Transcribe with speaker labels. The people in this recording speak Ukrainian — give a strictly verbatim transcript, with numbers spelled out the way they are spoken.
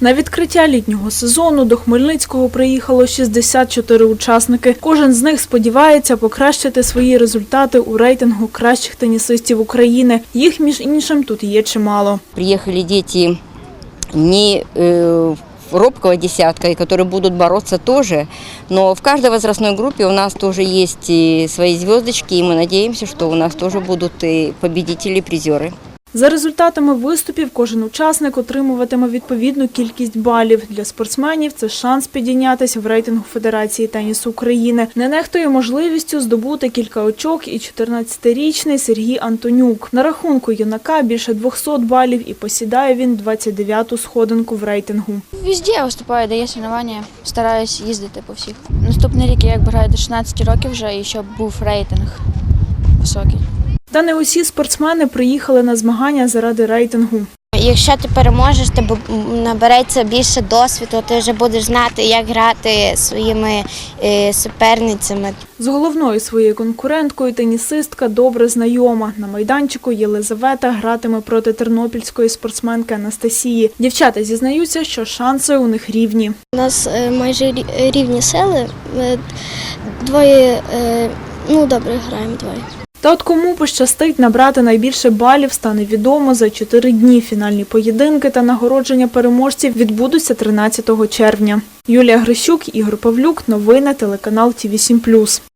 Speaker 1: На відкриття літнього сезону до Хмельницького приїхало шістдесят чотири учасники. Кожен з них сподівається покращити свої результати у рейтингу кращих тенісистів України. Їх, між іншим, тут є чимало.
Speaker 2: Приїхали діти не э, робкого десятка, и которые будут бороться тоже, но в каждой возрастной группе у нас тоже есть и свои звездочки, и мы надеемся, что у нас тоже будут и победители, и призеры.
Speaker 1: За результатами виступів кожен учасник отримуватиме відповідну кількість балів. Для спортсменів це шанс підійнятися в рейтингу Федерації тенісу України. Не нехтує можливістю здобути кілька очок і чотирнадцятирічний Сергій Антонюк. На рахунку юнака більше двохсот балів і посідає він двадцять дев'яту сходинку в рейтингу.
Speaker 3: Везде я виступаю, де є соревнування, стараюсь їздити по всіх. Наступний рік я якби граю до шістнадцяти років вже і щоб був рейтинг високий.
Speaker 1: Та не усі спортсмени приїхали на змагання заради рейтингу.
Speaker 4: Якщо ти переможеш, тебе набереться більше досвіду, ти вже будеш знати, як грати своїми суперницями.
Speaker 1: З головною своєю конкуренткою тенісистка добре знайома. На майданчику Єлизавета гратиме проти тернопільської спортсменки Анастасії. Дівчата зізнаються, що шанси у них рівні.
Speaker 5: У нас майже рівні сили, двоє, ну добре, граємо двоє.
Speaker 1: Та от кому пощастить набрати найбільше балів, стане відомо за чотири дні. Фінальні поєдинки та нагородження переможців відбудуться тринадцятого червня. Юлія Грищук, Ігор Павлюк. Новини телеканал Ті Ві сім плюс.